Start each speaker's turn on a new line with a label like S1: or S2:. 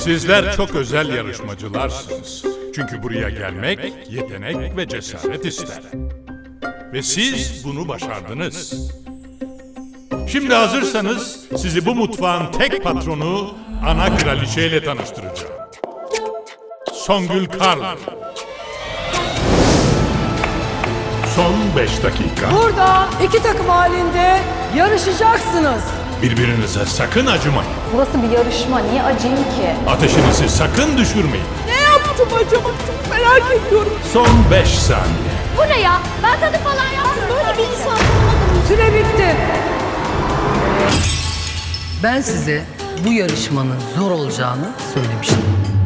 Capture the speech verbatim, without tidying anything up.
S1: Sizler çok özel yarışmacılarsınız. Çünkü buraya gelmek yetenek ve cesaret ister. Ve siz bunu başardınız. Şimdi hazırsanız sizi bu mutfağın tek patronu ana kraliçeyle tanıştıracağım. Songül Karlı. Son beş dakika.
S2: Burada iki takım halinde yarışacaksınız.
S1: Birbirinize sakın acımayın.
S3: Burası bir yarışma, niye acıyım ki?
S1: Ateşinizi sakın düşürmeyin.
S2: Ne yaptım acaba? Çok merak ediyorum.
S1: Son beş saniye.
S3: Bu ne ya? Ben tadı falan yaptım. Böyle bir insan tanımadım.
S2: Süre bitti.
S4: Ben size bu yarışmanın zor olacağını söylemiştim.